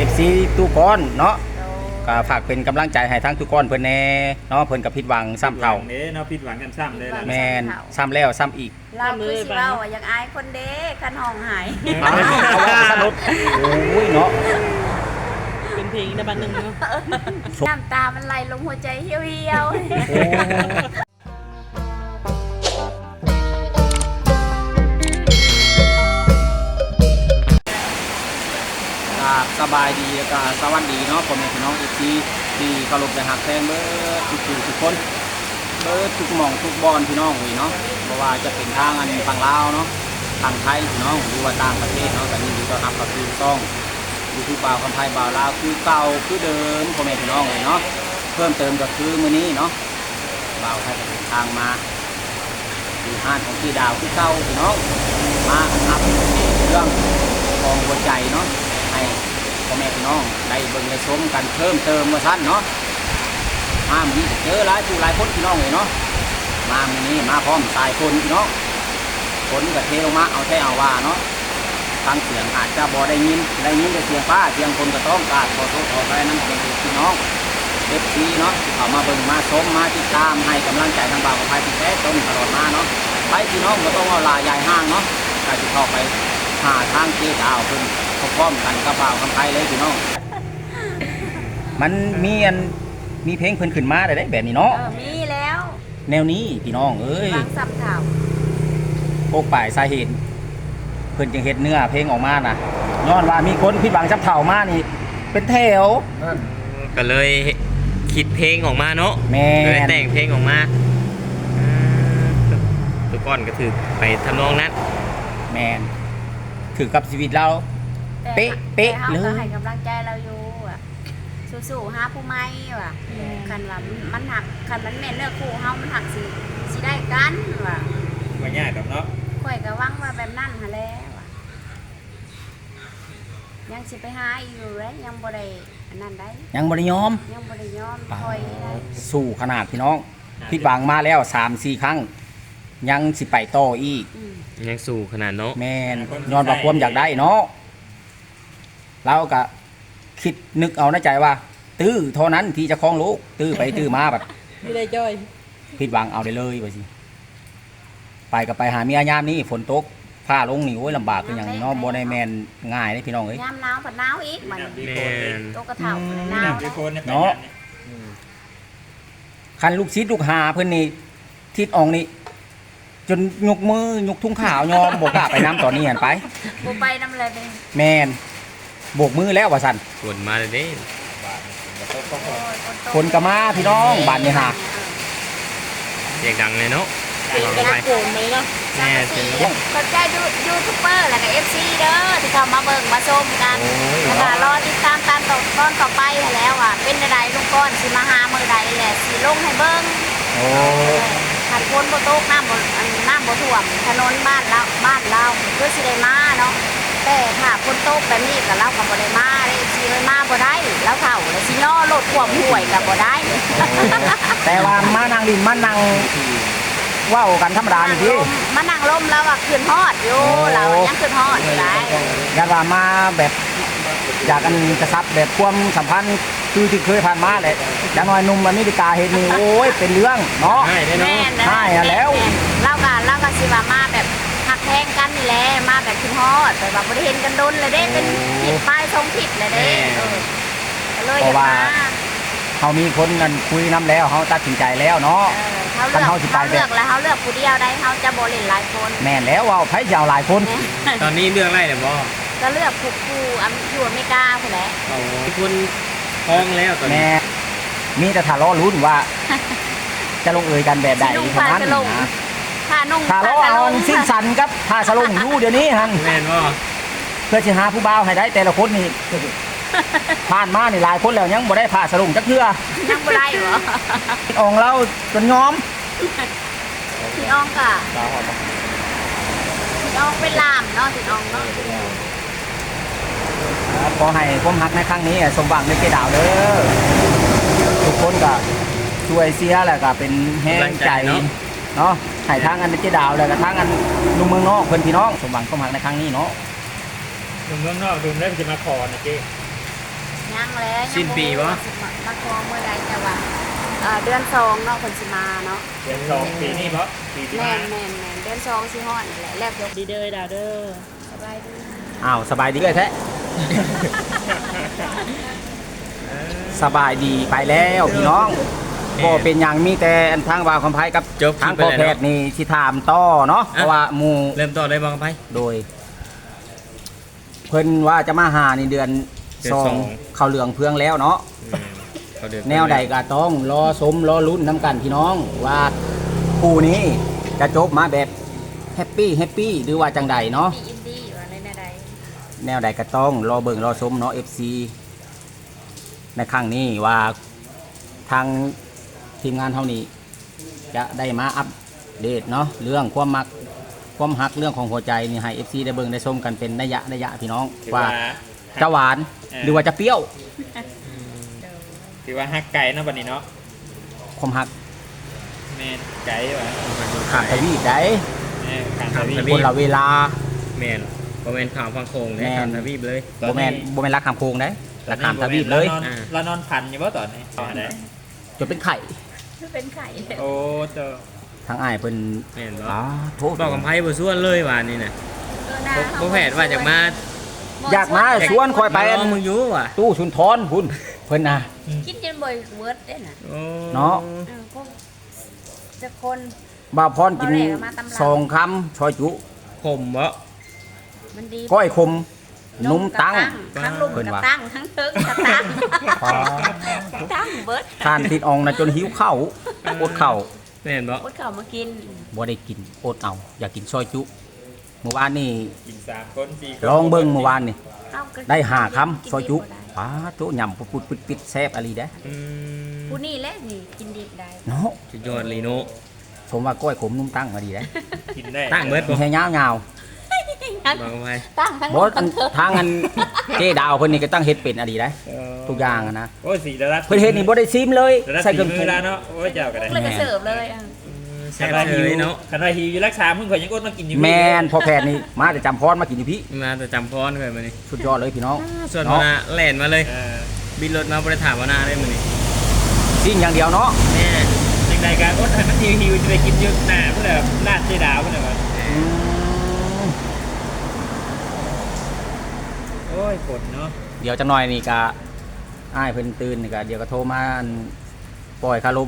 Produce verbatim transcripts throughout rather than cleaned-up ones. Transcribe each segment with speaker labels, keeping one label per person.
Speaker 1: อฟซีตู้ก้อนเนาะก็ฝากเป็นกำลังใจให้ทั้งตู้ก้อนเพิ่นแน่เนาะเพิ่นกับผิดหวังซ้ำเท่า
Speaker 2: เด้เนาะผิดหวังกันซ้ำเลยล่ะ
Speaker 1: แมนซ้ำแล้วซ้ำอีก
Speaker 3: เราคือสิเว้าว่าอยากอายคนเด้คันห้องหาย
Speaker 1: เอาว่าสนุกโอ้ยเนาะ
Speaker 4: เป็นเพลงในบันหนึ่งเนาะ
Speaker 3: น้ำตามันไหลลงหัวใจเหี่ยว
Speaker 1: สบายดีแล้วก็สวัสดีเนาะผมเป็นพี่น้องเอฟซีที่เคารพและหักแพงเบิร์ดทุกผู้ทุกคนเบิร์ดทุกหม่องทุกบอลพี่น้องเว้ยเนาะเพราะว่าจะเป็นทางอันฝั่งลาวเนาะทางไทยพี่น้องหรือว่าต่างประเทศเนาะแต่นี่ดีต้อนรับกับคือต้องยูทูบบ่าวคนไทยบ่าวลาวคือเก่าคือเดิมผมเป็นพี่น้องเลยเนาะเพิ่มเติมก็คือมื้อนี้เนาะบ่าวไทยจะเดินทางมาอยู่ห้างของพี่ดาวคือเก่าพี่น้องมาอัพเรื่องของหัวใจเนาะให้พ่อแม่พี่น้องได้เบิ่งได้ชมกันเพิ่มเติมมาสั้นเนาะมาวันนี้เจอหลายผู้หลายคนพี่น้องเลยเนาะมาวันนี้มาพร้อมสายคนพี่น้องคนกับเทลงมาเอาแท้เอาว่าเนาะฟังเสียงอาจจะบ่ได้ยินได้ยินแต่เสียงฟ้าเสียงคนก็ต้องการขอโทษขออภัยนั่นเป็นพี่น้องเอฟซีเนาะเขามาเบิ่งมาชมมาติดตามให้กำลังใจทางบ่าวกับภัยที่แท้ต้นตลอดมาเนาะไปพี่น้องก็ต้องเอาลายใหญ่ห้างเนาะใครจะเข้าไปหาทางเจ๊ดาวเพิ่นพร้อมกันกับบ่าวคำไทยเลยพี่น้องมันมีอันมีเพลงเพิ่นขึ้นมาได้ได้แบบนี้เนาะ
Speaker 3: เออมีแล้ว
Speaker 1: แนวนี้พี่น้องเอ้ย
Speaker 3: บางสับข่าว
Speaker 1: โปกป่ายสาเหตุเพิ่นจึงเฮ็ดเนื้อเพลงออกมาน่ะย้อนว่ามีคนผิดหวังจับเถ่ามานี่เป็นแถว
Speaker 5: ก็เลยคิดเพลงออกมาเนาะ
Speaker 1: แม่
Speaker 5: เลย
Speaker 1: น
Speaker 5: แต่งเพลงออกมาอ่าทุกก้อนก็ถือไปทำนองนั้น
Speaker 1: แมนถือกับชีวิตเรา
Speaker 3: แต่
Speaker 1: เป๊ะเป๊ะ
Speaker 3: แต่
Speaker 1: เล
Speaker 3: เขาก็
Speaker 1: ย
Speaker 3: ให้กำลังใจเราอยู่อ่ะสู้ๆหาผู้ใหม่ว่ะคันว่ามันหักคันมันแม่นเนื้อคู่เฮามันหักสิสิได้กันว่ะ
Speaker 2: ว่ายากดอกเนาะ
Speaker 3: ข่อยก็หวังว่าแบบนั้นหาแล้วว่ะยังสิไปหาอยู่เลยยังบ่ได้อันนั้นได้
Speaker 1: ยังบ่ได้ยอม
Speaker 3: ยังบ่ได้ยอมคอยได้
Speaker 1: สู้ขนาดพี่น้องผิดหวังมาแล้ว สามสี่ ครั้ง ยังสิไปต่ออีก
Speaker 3: อืม
Speaker 5: ยังสู่ขนาดเนาะ
Speaker 1: แมนย้อนว่าความอยากได้เนาะเราก็คิดนึกเอาในใจว่า ตื้อเท่านั้นที่จะคล้องลูกตื้อไปตื้อมาแบบ
Speaker 4: ไม่ได้จอย
Speaker 1: ผิดหวังเอาได้เลยว่าสิไปกับไปหาเมียยามนี้ฝนตกฟ้าลงนี่โอ้ยลำบากคืออย่างเนาะบ่ได้แมนง่ายเด้พี่น้องเอ้ย
Speaker 3: ยามหนาวผัดหนาวอีกมัน
Speaker 5: แม่น
Speaker 3: โตกระเท่าเลยหนาว
Speaker 2: น้ำดีโคนเนี่ย
Speaker 1: เนาะ คันลูกศิษย์ลูกหาเพิ่นนี่ทิศอองนี่จนยกมือยกทุ่งขาวยอมบ่กล้าไปน้ำตอนนี้หันไป
Speaker 3: บ่ไปนำเลยเด้
Speaker 1: แมนโบกมือแล้วว่าซั่น
Speaker 5: กวนมาเลยเด้
Speaker 1: คนก็มาพี่น้องบ้านนี่หา
Speaker 5: เสียงดังเลยเนาะ
Speaker 4: เพลง
Speaker 5: เอา
Speaker 4: กระ
Speaker 5: ไป
Speaker 4: โกนมาเลยเนาะ
Speaker 5: แม่เสียง
Speaker 3: ขอบใจยูยูทูบเบอร์แล้วก็ เอฟ ซี เด้อที่เข้ามาเบิ่งมาชมกันแล้วก็รอติดตามตามต่อตอนต่อไปแล้วอ่ะเป็นใดลุงก้อนสิมาหามื้อใดแหละสิลงให้เบิ่ง
Speaker 1: โอ้
Speaker 3: ขันฝนบ่ตกน้ำบ่อันน้ำบ่ท่วมถนนบ้านเราบ้านเราคือสิได้มาเนาะแต่ถ้าฝนตกแบบนี้ก็เราก็บ่ได้มาเด้สิเอ้ยมาบ่ได้แล้วเฒ่าแล้วสิย่อรถท่วมห้วยก็บ่ได้
Speaker 1: แต่ว่ามานั่งดินมานั่งเว้ากันธรรมดานี่พี่
Speaker 3: มานั่งลมแล้วอ่ะขึ้นฮอดอยู่
Speaker 1: โอ้
Speaker 3: เรายังขึ้นฮอดอยู่ได้
Speaker 1: อย่าว่ามาแบบอยากกันกระซับแบบความสัมพันธ์คือที่เคยผ่านมาแหละอย่างน้อยหนุ่มอเมริกาเห็นนี่โอ้ยเป็นเรื่องเนาะ
Speaker 5: ให้ได้เนาะ
Speaker 3: แม่น
Speaker 1: ใช่อะแล้ว
Speaker 3: เล่ากันเล่ากันสิว่ามาแบบหักแทงกันนี่แหละมาแบบขึ้นฮอดแต่ว่าบ่ได้เห็นกันโดนเลยเด้เป็นผิดป้ายทรงผิดเลยเด้เออก็เลยอยากมา
Speaker 1: เขามีคนนั่นคุยน้ำแล้วเขาตัดสินใจแล้วเนาะ
Speaker 3: เออเขาเลือก
Speaker 1: คันเฮาสิไป
Speaker 3: เขาเลือกแล้วเขาเลือกผู้เดียวได้เขาจะบ่เล่นหลายคน
Speaker 1: แม่นแล้วเว่าไผยาวหลายคน
Speaker 5: ตอนนี้เรื่องอะไรเนี่ยบ่
Speaker 3: ก็เลือกผู้ผู้อเมอยู่อเมริกาพุ่นแหละ
Speaker 5: เอาคนท้องแล้วตอนนี้
Speaker 1: แม่มีแต่ทะเลาะลุ้นว่า จะลงเอยกันแบบใด
Speaker 3: สินุ่ง
Speaker 1: เท่า
Speaker 3: ผ้า
Speaker 1: นั้น
Speaker 3: สลง
Speaker 1: นะ
Speaker 3: ผ้านุ่ง
Speaker 1: ทะเลาะเอาสิ้นสันกับผ้าสลงอยู่เดี๋ยวนี้ฮัน
Speaker 5: แม่นบ่
Speaker 1: เพื่อจะหาผู้บ่าวให้ได้แต่ละคนนี่ ผ่านมานี่หลายคนแล้วยังบ่ได้ผ้าสลงจักเทื่อ
Speaker 3: ยังบ่ได้เหรอ
Speaker 1: อองเราจนยอม
Speaker 3: พี่น้องกะพี่น้องเป็นลามเนาะพี่น้องเนาะ
Speaker 1: ขอให้ความรักในครั้งนี้สมหวังในเกดาวเด้อทุกคนก็ช่วยเสียแล้วก็เป็นแห้งใจเนาะให้ทางอันเจดาวแล้วก็ทางอันลุงเมืองนอกเพิ่นพี่น้องสมหวังความรักในครั้งนี้เนาะ
Speaker 2: ดูเมืองนอกดูได้จะมาขอนะเจ๊
Speaker 3: ยังแล้ว
Speaker 5: สิ้นปีบ่
Speaker 3: มาคอเมื่อใดแต่ว่าเอ่อเดือนสองเนาะคนสิมาเนาะ
Speaker 2: เดือนสองปีนี้เพราะปีที่
Speaker 3: แม่
Speaker 2: มาน
Speaker 3: แม่นแม่นเดือนสองสิฮอดนี่แหละแล้วเดี๋ยว
Speaker 4: ดีเด้อดาวเด้อ
Speaker 3: สบายดี
Speaker 1: อ้าวสบายดีเลยแท้ สบายดีไปแล้วพี่น้องก็เป็นอย่างมีแต่อันทางบ่าวคำไพกับ
Speaker 5: จบคลิ
Speaker 1: ทาง
Speaker 5: ปไป
Speaker 1: พ่อ
Speaker 5: แล้ว
Speaker 1: แพทย์นี่สิถามต่อเนาะเพราะว่าหมู่
Speaker 5: เริ่มต้นได้บ้างไป
Speaker 1: โดย เพิ่นว่าจะมาหาในเดือน
Speaker 5: เดือน
Speaker 1: สอ
Speaker 5: สอง ง
Speaker 1: เข้าเหลืองเพืองแล้วเนาะ
Speaker 5: เขาเดือ
Speaker 1: แนวใดก็ต้องรอสมรอลุ้นน้ำกันพี่น้องว่าคู่นี้จะจบมาแบบแฮปปี้แฮปปี้หรือว่าจังใดเนาะ
Speaker 3: มีอินดี้อยู่อะไรในใด
Speaker 1: แนวใดก็ต้องรอเบิ่งรอสมเนาะ เอฟ ซี ในครั้งนี้ว่าทางทีมงานเท่านี้ จะได้มาอัปเดตเนาะเรื่องความมักความหักเรื่องของหัวใจนี่ให้ เอฟ ซี ได้เบิ่งได้ชมกันเป็นระยะระยะพี่น้อง
Speaker 2: ถือ
Speaker 1: ว่า
Speaker 2: ว่า
Speaker 1: จะหวานหรือว่าจะเปรี้ยว
Speaker 2: ถือว่าฮักไก่เนาะบัดนี้เนาะ
Speaker 1: ความหัก
Speaker 2: แม่นไก่ว่ะ
Speaker 1: ขาดทวีปได้
Speaker 2: แม่นขันทวี
Speaker 5: ท
Speaker 2: ป
Speaker 5: วี
Speaker 1: คนละเวลา
Speaker 5: แมนบ่แมนข่าวฟังโคง
Speaker 1: แม่
Speaker 5: แน่
Speaker 1: น
Speaker 5: ทำทวีปเลย
Speaker 2: ตอนนี้
Speaker 1: บ่แม่นบ่แม่นรักขามโคงได้รักขามทวีปเลย
Speaker 2: รานอน
Speaker 5: อ่า
Speaker 2: เรานอนพันอยู่บ่ตอนนี้ตอนไหน
Speaker 1: จนเป็นไข่
Speaker 3: เป็นไข่
Speaker 2: โอ้เจ้า
Speaker 1: ทางอ้ายเพิ่น
Speaker 5: แม่นบ่
Speaker 1: อ๋อโทษ
Speaker 5: บอกกับไพ่บ่ส่วนเลยว่านี่น่ะ
Speaker 3: เออนะ
Speaker 5: บ่บ่แผนว่าจากมา
Speaker 1: อยากมาชวนคอยไป
Speaker 5: ล
Speaker 1: อั
Speaker 5: อง
Speaker 1: น
Speaker 5: มึงอยู่ว่ะ
Speaker 1: ตู้ชุนทรพุ่นเพิ่นน่ะ
Speaker 3: คิดจนบ่อยเวิร์ดได้น่ะ
Speaker 5: โอ้
Speaker 1: เนาะ
Speaker 3: เออพวกจะคน
Speaker 1: บ่าวพรกิน
Speaker 3: บ่แลกมาตำรา
Speaker 1: สองคำชอยจุ
Speaker 5: ผมบ่
Speaker 3: มันดี
Speaker 1: ก้อยคมนุ่มตั้ง
Speaker 3: ทั้งลุม
Speaker 1: เพิ่น
Speaker 3: กับ
Speaker 1: ว่า
Speaker 3: ตั้งทั้งเทิงกับตั้ง
Speaker 1: อ๋อ
Speaker 3: ตั้งเบิร์ด
Speaker 1: ทานติดอองนะจนหิวข้าวอดข้าว
Speaker 5: แม่นบ่
Speaker 3: อดข้าวมากิน
Speaker 1: บ่ได้กินอดเอา อยากกินซอยจุเมื่อวานนี่
Speaker 2: กินสามคนสี่คน
Speaker 1: ลองเบิ่งเมื่อวานนี่
Speaker 3: เอาก็
Speaker 1: ได้ห้าคำ
Speaker 3: กิน
Speaker 1: ซอยจุ
Speaker 3: ดิบบ่ได้
Speaker 1: ป้าโตยำปุดๆปิดๆแซ่บอะลีเด้
Speaker 5: อืม
Speaker 3: ผู้นี่แหละนี่กินดิบได้
Speaker 1: เนาะ
Speaker 5: สุดยอดเลยโน
Speaker 1: ผมว่าก้อยขมนุ่มตั้งมาดีเด้
Speaker 2: กินได้
Speaker 5: ตั้งเบิดบ่
Speaker 1: มีแค่ยาว
Speaker 5: บอกกับไพ่
Speaker 3: ตั้งทั้ง
Speaker 1: ๆบ่
Speaker 3: ลุม
Speaker 1: อั
Speaker 3: ทั้
Speaker 1: น
Speaker 3: งเทิง
Speaker 1: ทางอันเจ๊ดาวเพิ่นนี่ก็ตั้งเฮ็ดเป็นอะดีเด้ทุกอย่างอะนะ
Speaker 2: โอ้ยสีระดับ
Speaker 1: เพิ่นเฮ็ดนี่บ่ได้ซิมเลย
Speaker 2: ระดับ
Speaker 1: ใส่
Speaker 2: สี
Speaker 1: เครื่องป
Speaker 2: มื
Speaker 1: รุ
Speaker 2: อง แล้วเนาะโอ้ยเจ้าก็ได้
Speaker 3: เลยก็เสิร์ฟเลยอ่ะ
Speaker 5: แซ่บเลยเนาะ
Speaker 2: คันว่าหิวอยู่รักษามึงข่อยยังอดมากินอยู่
Speaker 1: แมนพอแพทย์นี่มาแต่จำพรมากินอยู่พี่
Speaker 5: มาแต่จำพรเคยมานี่
Speaker 1: สุดยอดเลยพี่น้อง
Speaker 5: ส่วนมานาแล่นมาเลย
Speaker 2: เออ
Speaker 5: บินรถมาบ่ได้ถามว่านาได้มื้อนี้
Speaker 1: สิ่งอย่างเดียวเนาะ
Speaker 5: แม่
Speaker 2: จังใดการอดให้มันหิวหิวจะไปกินอยู่หน้าเพื่อแบบลาดเจดาวเพื่อแบบ
Speaker 1: อืม
Speaker 2: โอ้ยฝนเนาะ
Speaker 1: เดี๋ยวจังหน่อยนี่ก็อ้ายเพิ่นตื่นนี่ก็เดี๋ยวก็โทรมาอันปล่อยคารม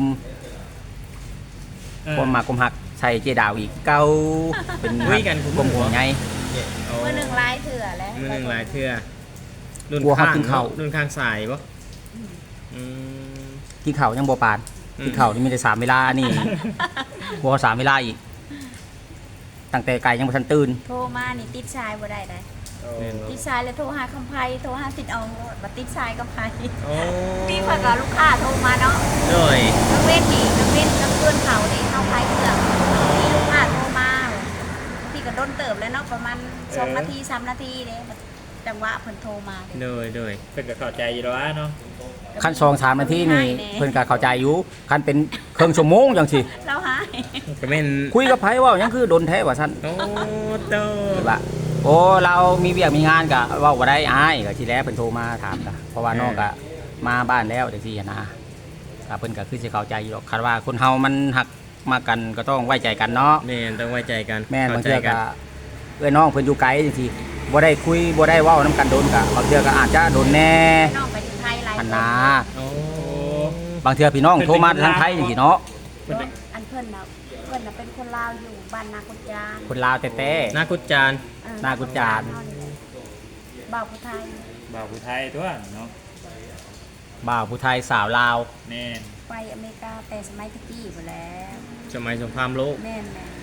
Speaker 2: เออ
Speaker 1: ความมากความหักใส่เจดาวอีกเก้าเป็น
Speaker 5: คุยกันคุ
Speaker 1: กลมหัวไง
Speaker 5: โอ้
Speaker 3: เมื่อหนึ่งลายเถื่อแล้ว
Speaker 5: มื้อหนึงหลายเทื่อรุ่น
Speaker 1: กลัวเขา
Speaker 5: ข้าง
Speaker 1: กินข้าว
Speaker 5: รุ่นข้างสายบ่อืม
Speaker 1: ที่เข่ายังบ่ปาน
Speaker 5: อืม
Speaker 1: ที่เข่านี่มีแต่สามเวลานี่ บ่สามเวลาอีก ตั้งแต่ไก่ยังบ่ทันตื่น
Speaker 3: โทรมานี่ติดชายบ่ได้ได้
Speaker 2: โอ้
Speaker 5: แม่นบ่
Speaker 3: ติดชายแล้วโทรหาคำไพโทรหาติดเอาบัติดชายคำไพ
Speaker 5: โอ้
Speaker 3: พี่เพิ่นก็ลูกค้าโทรมาเนาะ
Speaker 5: โดย
Speaker 3: นักเว้นนี่นักเว้นนักเพื่อนเขานี่เข้าไพเครื่องมีลูกค้าโทรมาพี่ก็โดนเติบแล้วเนาะประมาณสองนาทีสามนาทีเด้จังหวะเพิ่นโทรมาเด้
Speaker 5: โดยโดย
Speaker 2: เพิ่นก็เข้าใจอยู่แล้วเนาะ
Speaker 1: ขั้นสองสามนาทีนี่เพิ่นก็เข้าใจอยู่ขั้นเป็นเครื่องชั่วโมงจังสิ
Speaker 3: เราหาย
Speaker 5: ก็แม่น
Speaker 1: คุยกับไผเว่าหยังคือโดนแท้ว่าซั่น
Speaker 5: โอ้โต
Speaker 1: ว่าโอ้เรามีเวียกมีงานกะเว่าบ่ได้อายก็ทีแรกเพิ่นโทรมาถามกะเพราะว่าน้องกะมาบ้านแล้วจังซี่หั้นนะก็เพิ่นก็คือสิเข้าใจอยู่หรอกคันว่าคนเฮามันหักมากันก็ต้องไว้ใจกันเนาะ
Speaker 5: แม่นต้องไว้ใจกัน
Speaker 1: แม่นบาง
Speaker 5: เข้าใจ
Speaker 1: เทื่อ
Speaker 5: กั
Speaker 1: ก็
Speaker 5: น
Speaker 1: เอ้ยน้องเพิ่นอยู่ไกลจังซี่บ่ได้คุยบ่ได้เว้านํกันโดนกะบางเทื่อก็อาจจะโดนแน่
Speaker 3: น้องไปถึงไทยหลาย
Speaker 1: อัน
Speaker 3: ค
Speaker 1: นะ
Speaker 5: โอ้
Speaker 1: บางเทื่อพี่น้องโทรมาทางไทยจังซี่เนาะ
Speaker 3: เนาะอันเพิ่นน่ะเพิ่นน่ะเป็นคนลาวอยู่บ้านนากุจาน
Speaker 1: คนลาวแท้
Speaker 5: นากุจจาน
Speaker 3: เออ
Speaker 1: นากุจาน
Speaker 3: เฮนี่แหละบ่าวผู้ไทย
Speaker 2: บ่าวผู้ไทยตัวเนาะ
Speaker 1: ๆบ่าวผู้ไทยสาวลาว
Speaker 2: แม่น
Speaker 3: ไปอเมริกาแต่สมัยตะกี้ไปแล้ว
Speaker 5: สมัยสงครามโลก
Speaker 3: แม่นแม่น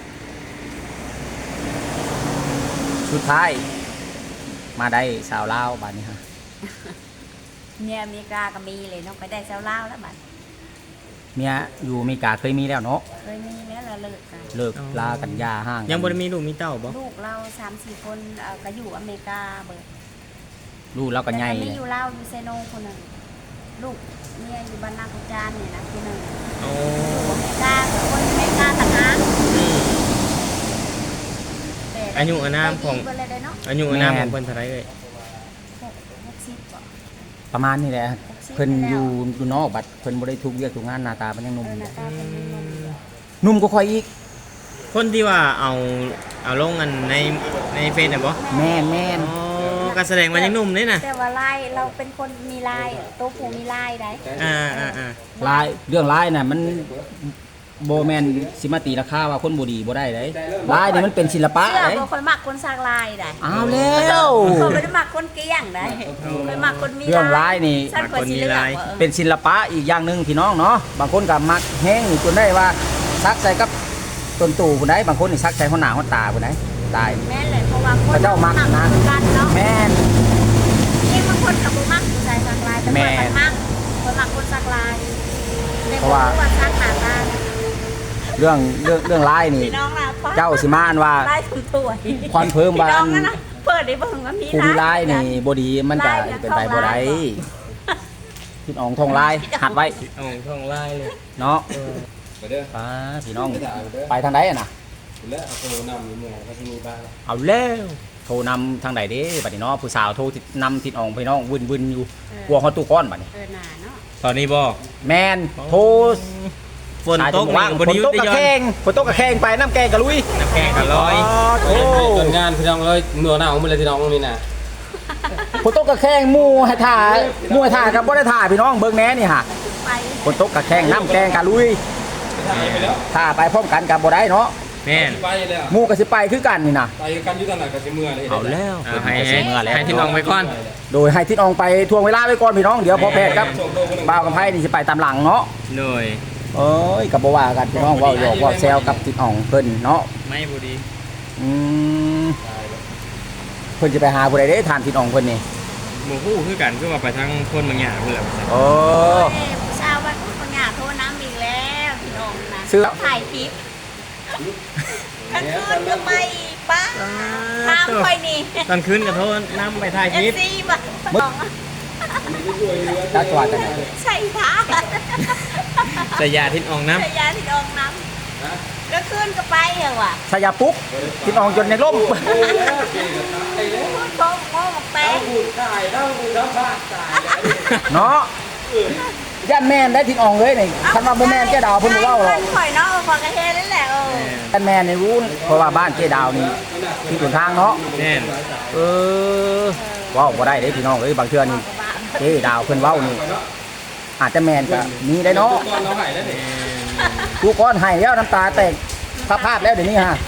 Speaker 1: สุดท้าย มาได้สาวลาวบัดนี้ฮะ
Speaker 3: เมียอเมริกาก็มีเลยน้องไปได้เจ้าลาวแล้วบัด
Speaker 1: เมียอยู่อเมริกาเคยมีแล้วเนาะ
Speaker 3: เคยมีแล้วเราเลิกกัน
Speaker 1: เลิกลากันยาห่างกัน
Speaker 5: ยังบ่ได้มีลูกมีเต้าบ่
Speaker 3: ลูกเราสามสี่คนเอ่อก็อยู่อเมริกาเบิด
Speaker 1: ลูกเราก็ใหญ่
Speaker 3: แต่
Speaker 1: เล
Speaker 3: มี
Speaker 1: ย
Speaker 3: อยู่ลาวอยู่เซโนคนหนึ่งลูกเมียอยู่บ้านนากุจานเนี่ยนะคนหนึ่ง
Speaker 5: โอ้
Speaker 3: อเมริกาคนอเมริกาต่างหาก
Speaker 5: อืม
Speaker 3: แต่
Speaker 5: อายุอานามของ
Speaker 3: ไปดีเบิดเลยเด้อเนาะ
Speaker 5: อายุอานามของเพิ่นเท่าไหร่เอ่ย
Speaker 3: หกหกสิบบ่
Speaker 5: ห
Speaker 1: ประมาณนี้แหละเพิ่นอยู่อยู่นอกบัดเพิ่นบ่ได้ทุกเวียกทุกงานหน้าตามันยังหนุ่ม
Speaker 3: เออ
Speaker 1: อ
Speaker 3: ห
Speaker 1: ยู่
Speaker 3: น้าตาเป็นนุ่มๆอยู่
Speaker 1: หนุ่มก็ค่อยอีก
Speaker 5: คนที่ว่าเอาเอาลงกันในในเฟซน่ะบ่
Speaker 1: แม่นแม่น
Speaker 5: อ๋อก็แสดงว่ายังหนุ่มนี่น่ะ
Speaker 3: แต่ว่าลายเราเป็นคนมีลายโตผู้มีลายได้
Speaker 5: อ่าอ่าอ่า
Speaker 1: ลายเรื่องลายน่ะมันบ่แม่นสิมาตีราคาว่าคนบ่ดีบ่ได้เด้ลายนี่มันเป็นศิลปะ
Speaker 3: เสื้อ
Speaker 1: เด้
Speaker 3: บ่ค่อยมักคนสร้างลายได้
Speaker 1: อ้าวแล้ว
Speaker 3: เขาไม่ได้มักคนเกลี้ยงได้เคยมักคนมี
Speaker 1: เรื่องลายนี่
Speaker 3: ฉันควรสิเลือกว่าเออ
Speaker 1: เป็นศิลปะอีกอย่างหนึงพี่น้องเนาะบางคนก็มักแห้งจนได้ว่าซักใส่กับต้นตู่ผู้ใดบางคนนี่ซักใส่หัวหน้าหัวตาผู้ใดตาย
Speaker 3: แม่นเลยเพราะว่าคน
Speaker 1: พระเจ้ามักนะ
Speaker 3: กันเนาะ
Speaker 1: แม่น
Speaker 3: เองบางคนกับบ่มักผู้ชายสร้างลายแต่
Speaker 1: แม่
Speaker 3: คนมันมักคนมักคนสร้างลายแต่
Speaker 1: เพราะว่า
Speaker 3: ว่าสร้างหน้าตา
Speaker 1: เรื่องเรื่องเรื่องลายนี่
Speaker 3: พี่น้องนะ
Speaker 1: เจ้าสิมาอ่านว่า
Speaker 3: ลายถุงถ้วย
Speaker 1: ควันเพิ่มว่า
Speaker 3: พี่น้องนะนะเปิดได้เบิ่งว่ามี
Speaker 1: ผู้มีลายนี่บ่ดีมันจะเป็นไปบ่ได้พี่น้องทองลายหัดไว้
Speaker 5: เอาท่องไล่เลย
Speaker 1: เนาะ
Speaker 2: ไปเด้อ
Speaker 1: ป้าพี่น้องไปทางใดอะน่ะ
Speaker 2: แล้วเอาโทรนำอยู่เมืองก็จะมีบ้าน
Speaker 1: เอาแล้วโทรนำทางใดเด้บัดนี้เนาะผู้สาวโทรนำทิศอองพี่น้องวุ่นๆอยู่กลัวฮอดตู้ก้อนบัดนี้
Speaker 3: เออหนาเนาะ
Speaker 5: ตอนนี้บ่
Speaker 1: แม่นโทร
Speaker 5: ฝนตก
Speaker 1: ว่าง
Speaker 5: นี่
Speaker 1: ฝ
Speaker 5: บ่
Speaker 1: น
Speaker 5: ได้หยุ
Speaker 1: ต
Speaker 5: ด
Speaker 1: ก
Speaker 5: ได้
Speaker 1: กระ
Speaker 5: ย้อน
Speaker 1: แข่งฝนตกกระแข่งไปน้ำแกงกะลุย
Speaker 5: น้ำแข็งก็ลอย
Speaker 1: โอ้
Speaker 2: ต้นงานพี่น้องเลยเมื่อหน้าของมันเลยพี่น้องนี่นะ
Speaker 1: ฝนตกกระแข่งหมู่ให้ถ่าหมู่ให้ถ่ากับบ่ได้ถ่าพี่น้องเบิ่งแหน่นี่ฮะ
Speaker 3: ไป
Speaker 1: ฝนตกกระแข่งน้ำแกงกะลุย
Speaker 2: ไปแล้ว
Speaker 1: ถ่าไปพร้อมกันกับบ่ได้เนาะ
Speaker 5: แม่น
Speaker 2: ไปแล้ว
Speaker 1: หมู่ก็สิไปคือกันนี่นะ
Speaker 2: ไปกันอยู่ตอนไหนก็สิเมื่อเลย
Speaker 1: เอาแล้ว
Speaker 5: เอาให้
Speaker 1: เพิ่นก็สิ
Speaker 5: ให้
Speaker 1: เมื่อแล้ว
Speaker 5: ให้ที่น้องไปก่อน
Speaker 1: โดยให้ทิศอองไปทวงเวลาไว้ก่อนพี่น้องเดี๋ยวพอแพทย์ครับบ่าวกับไพ่นี่สิไปตามหลังเนาะ
Speaker 5: โดย
Speaker 1: เอ้ยกับบ่ว่ากันพี่น้องเว้าหยอกเว้าแซวกับทิศอองเพิ่นเนาะ
Speaker 5: ไม่บ่ดี
Speaker 1: อืมเพิ่นจะไปหาผู้ใดเด้ทานทิศอองเพิ่นนี่
Speaker 5: หมู่ฮู้คือกันคือว่าไปทางคนบางอย่างเพิ่นแหละ
Speaker 1: โอ้
Speaker 3: เอ้ยผู้ชาวบ้านคนหยาโทรน้ำอีกแล้วพี่น้องนะ
Speaker 1: ซื้อ
Speaker 3: ถ่ายคลิปกลางคืนก็ไม่ป้าทางค่อยนี่
Speaker 5: ตอนคืนก็โทษนํไปถ่ายค
Speaker 3: เอ
Speaker 5: ลิป
Speaker 3: ฟซีบ้าบอก
Speaker 1: จักจังหวัดจังไหน
Speaker 3: ใช่ท่า
Speaker 5: สยาทิศออกน้ำ
Speaker 3: ใช่ยาที่ดองน้ำก็ขึ้นก็ไปเหรอวะ
Speaker 1: ชายาปุ๊กทิศอองจนในร่ม
Speaker 3: พูดโค้งโง่บอกแป้ง
Speaker 2: พูดตายแล้วพูดแล้วพลาดตาย
Speaker 1: เนาะย่านแม่นได้ทิศอองเลยนี่คันว่าบ่แม่นแกดาวเพิ่นบ่เว้าหรอก
Speaker 3: ข่อยเนาะพอกระเทนั่นแหละเออ
Speaker 1: ย่านแม่นนี่รู้เพราะว่าบ้านเจดาวนี่ที่ต้นทางเนาะ
Speaker 5: แน่น
Speaker 1: เออเว้าบ่ได้เด้พี่น้องเอ้ยบางเทื่อนี่เจดาวเพิ่นเว้านี่อาจจะแม่นก็มีได้เนาะ
Speaker 2: ตอนเราหายแล้วเนี่ย
Speaker 1: ทุกคนให้แล้วน้ำตาแตกพาพาดแล้วเดี๋ยวนี้ฮะ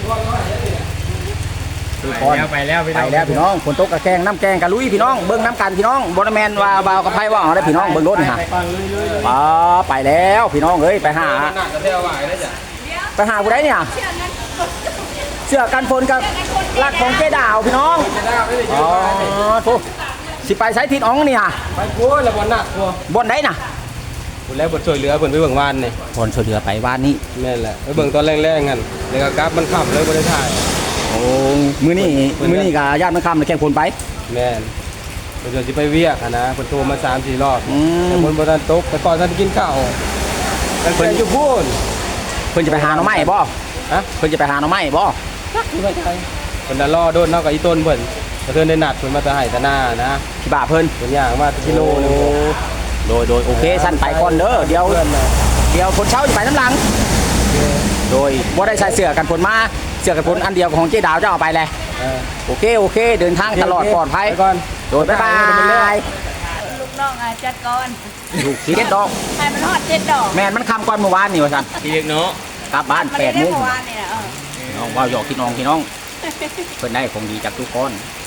Speaker 1: ทุก
Speaker 5: ไป
Speaker 1: คน
Speaker 5: แล้วไปแล้วพี่
Speaker 1: ไป
Speaker 5: น้อง
Speaker 1: แล้วพี่น้องฝนตกกระแกงน้ำแกงกะลุยพี่น้องเบิ้งน้ำกันพี่น้องบนแมนว่าบาวกับไพ่ว่าเอาได้พี่น้องเบิ้งรถนี่ฮะอ๋อไปแล้วพี่น้องเอ้ยไปหา
Speaker 2: หนักจะเที่ยวไหวได้จ้ะ
Speaker 1: ไปหาผู้ใดเนี่ยเสื้อกันฝนกับลักของเจดาวพี่น้อง
Speaker 2: จะได้ไม่ได้
Speaker 1: อ๋อทุกสิไปใช้ทิศอ๋องนี่ฮะ
Speaker 2: ไปโว้ยละบอลหนักกลัว
Speaker 1: บนไหนน่ะ
Speaker 2: คุณแล้วบทช่วยเหลือเพิ่นไปเบิ่งวานนี่
Speaker 1: บนช่วยเหลือไปบ้านนี้
Speaker 2: แม่นแหละไปเบิ่งตอนแรกๆงั้นแล้วก็กราฟมันขับเลยบ่ได้ถ่าย
Speaker 1: โอ้มือนี่มือนี่กับญาติมันคำเลยแข่งฝนไป
Speaker 2: แม่นเพิ่นจะสิไปเวียกอะนะเพิ่นโทรมาสามสี่รอบ
Speaker 1: อืม
Speaker 2: แต่เพิ่นบ่ทันตกแต่ก่อนท่านกินข้าวแต่เพิ่นอยู่พูน
Speaker 1: เพิ่นจะไปหาหน่อไม้บ่
Speaker 2: ฮะ
Speaker 1: เพิ่นจะไปหาหน่อไม้บ่
Speaker 2: เพิ่นน่ะรอโดนเนาะกับอีต้นเพิ่นแต่เพิ่นได้นัดเพิ่นมาแต่ให้แต่หน้านะ
Speaker 1: ที่บ้าเพิ่น
Speaker 2: เพิ่นย่างมากิโลนึง
Speaker 1: โดยโดยโอเคสั้นไปก่อนเด้อเดี๋ยว
Speaker 2: เพื่อนน่ะ
Speaker 1: เดี๋ยวคนเช้าจะไปน้ำหลัง โดยว่าได้ใส่เสื้อกันฝนมาเสื้อกันฝนอันเดียวของเจ๊ดาวจะเอาไปเลย
Speaker 2: เออ
Speaker 1: โอเคโอเค เดินทางตลอดปลอดภัย
Speaker 2: ไปก่อน
Speaker 1: โดยบ๊ายบาย
Speaker 3: ลูกน้องอ่ะจัดก่อน
Speaker 1: ลูกสีเด็ดดอก
Speaker 3: ให้มันฮอดเจ็ดดอก
Speaker 1: แม่นมันคำก่อนเมื่อวานนี่ว่าสัน
Speaker 5: พี่เล็กเนาะ
Speaker 1: กลับบ้าน
Speaker 3: มัน
Speaker 1: แป
Speaker 3: ได้
Speaker 1: ดโมง
Speaker 3: เมื่อวานนี่นะเออ
Speaker 1: น้องว่าวหยอกพี่น้องพี่น้องเพิ่นได้ของดีจากทุกคน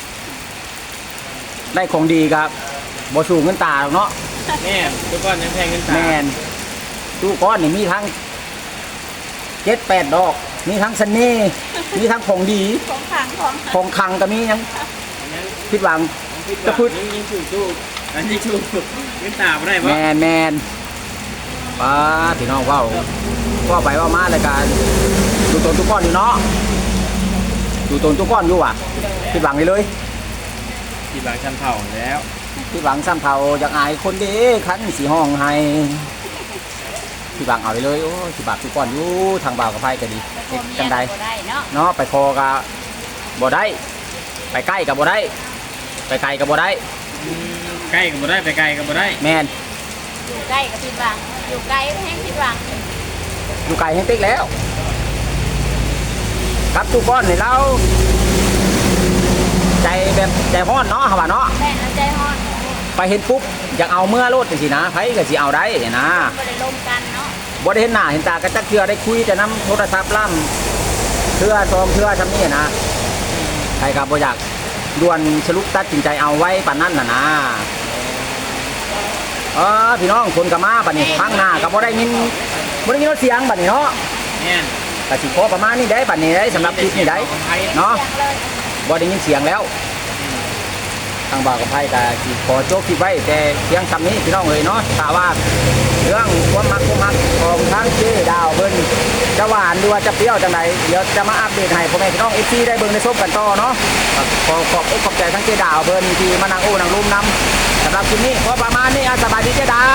Speaker 1: ได้ของดีครับบ่สูงเงินตาหรอกเนาะ
Speaker 5: แม่นทุกคนยังแพงเงินตา
Speaker 1: แม่นทุกคนนี่มีทั้งเจ็ดแปดดอก มีทั้งเสน่ห์มีทั้งของดี
Speaker 3: ของขังของ
Speaker 1: ของคังก็มียังผิดหวัง จะพูด
Speaker 5: ยิงยิงชูชูอันนี้ชูเงินตาบ่ได้
Speaker 1: แม
Speaker 5: บ่
Speaker 1: นแมนป้าพี่น้องเว้าว่าไปว่ามาเลยกันดูตนทุกก้อนอยู่เนาะดูตนทุกก้อนอยู่ว่ะผิดหวังเลยเลย
Speaker 5: ที่บางชั้นเผาแล้ว
Speaker 1: ผิดหวังซ้ำเท่าอยากอายคนเด้คันสีห้องให้ผิดหวังเอาไปเลยโอ้สิบาททุกก้อนอยู่ทางบ่าวกับไพ่ก็ดี
Speaker 3: พวก
Speaker 1: จัง
Speaker 3: เมี
Speaker 1: ใด
Speaker 3: ยก็ได้เนาะ
Speaker 1: เนาะไปคอกับบ่ได้ ไปใกล้กับบ่ได้ ไปไกลกับบ่ได้
Speaker 5: อืม
Speaker 2: ใกล้ก็บ่ได้ไปไกลก็บ่ได้
Speaker 1: แมน
Speaker 3: อยู่ใกล้กับผิดหวังอยู่ไกลแห้งผิดหวัง
Speaker 1: อยู่ไกลแห้งติ๊กแล้วครับทุกคนนี่เราใจแบบใจฮ้อนเนาะเขาว่าเนาะ
Speaker 3: แม่น้ำใจฮ้อน
Speaker 1: ไปเห็นปุ๊บอยากเอาเมื่อโลดจังซี่นะไผก็สิเอาได้นะ
Speaker 3: บ่ได้ลมกันเนาะ
Speaker 1: บ่ได้เห็นหน้าเห็นตากันจักเทื่อได้คุยแต่นํโทรศัพท์ล่ำเทื่อซอมเทื่อซำนี้นะใครก็บ่อยากด่วนสรุปตัดสินใจเอาไว้ปานนั้นน่ะนะเออพี่น้องคนก็มาบัดนี้ข้างหน้าก็บ่ได้ยินบ่ได้ยินเสียงบัดนี้เนาะ
Speaker 2: เนี่ย
Speaker 1: ก็สิพอประมาณนี้ได้บัดนี้ได้สำหรับคลิปนี้ได้เนาะ
Speaker 3: เสียงเลย
Speaker 1: บ่ได้ยินเสียงแล้วทางบ่าวกับไผก็สิขอโจกคลิปไว้แต่เพียงคำนี้พี่น้องเอ้ยเนาะถ้าว่าเรื่องความมักความมักของทางเจ๊ดาวเพิ่นจะหวานหรือว่าจะเปรี้ยวจังไดเดี๋ยวจะมาอัปเดตให้พ่อแม่พี่น้อง เอฟ ซี ได้เบิ่งได้ชมกันต่อเนาะก็ขอขอบอกขอบใจทั้งเจ๊ดาวเพิ่นที่มานั่งโอ้นั่งรุมนํสำหรับคลิปนี้พอประมาณนี้อ่ะสบายดีเจ๊ดาว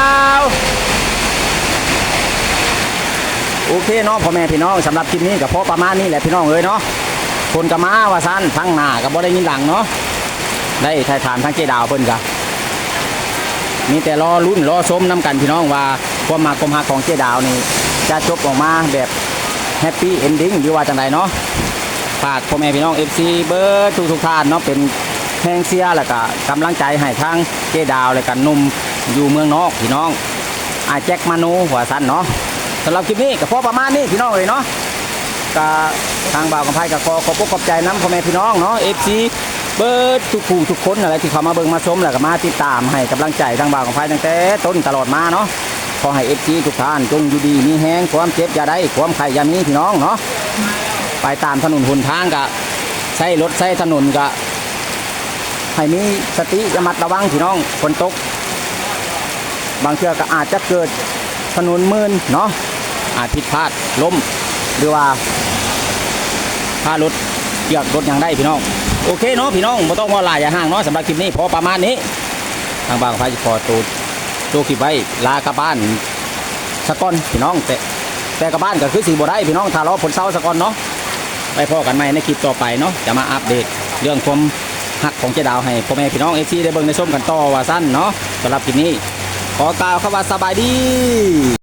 Speaker 1: โอเคเนาะพ่อแม่พี่น้องสำหรับคลิปนี้ก็พอประมาณนี้แหละพี่น้องเอ้ยเนาะคนก็มาว่าซั่นทั้งหน้าก็บ่ได้ยินหลังเนาะได้ถ่ายถามทั้งเจดาวเพิ่นก็มีแต่รอลุ้นรอชมนํกันพี่น้องว่าความมาความฮักของเจดาวนี่จะจบออกมาแบบแฮปปี้เอนดิ้งหรือว่าจังไดเนาะฝากพ่อแม่พี่น้อง เอฟ ซี เบิร์ดทุกๆท่านเนาะเป็นแรงเชียร์แล้วก็กำลังใจให้ทางเจดาวและกันหนุ่มอยู่เมืองนอกพี่น้องอาแจ็คมานูว่าซั่นเนาะสำหรับคลิปนี้ก็พอประมาณนี้พี่น้องเลยเนาะก็ทางบ่าวกับไพ่ก็ขอขอบคุณขอบใจน้ำพ่อแม่พี่น้องเนาะ เอฟ ซี เบิร์ดทุกผู้ทุกคนอะไรที่เขามาเบิ่งมาชมแล้วก็มาติดตามให้กำลังใจทางบ่าวกับไพ่ตั้งแต่ต้นตลอดมาเนาะขอให้ เอฟ ซี ทุกท่านจงอยู่ดีมีแห้งความเจ็บอย่าได้ความไข่อย่ามีพี่น้องเนาะไปตามถนนหนทางก็ใช้รถใช้ถนนก็ให้มีสติระมัดระวังพี่น้องฝนตกบางเทื่อก็อาจจะเกิดถนนมืนเนาะอาจผิดพลาดล้มหรือว่าพารถเกี่ยวรถยังได้พี่น้องโอเคเนาะพี่น้องไม่ต้องว่าหลายอย่าห่างเนาะสำหรับคลิปนี้พอประมาณนี้ทางบางพายขอตูดูคลิปไว้ลากลับบ้านสะก้อนพี่น้องแต่แต่กลับบ้านก็คือสีบัวได้พี่น้องถ้ารอผลเศร้าสะก้อนเนาะไปพอกันใหม่ในคลิปต่อไปเนาะจะมาอัปเดตเรื่องความหักของเจดาวให้พ่อแม่พี่น้องเอฟซีได้เบิ่งในส้มกันต่อว่าสั้นเนาะสำหรับคลิปนี้ขอกล่าวคำว่าสบายดี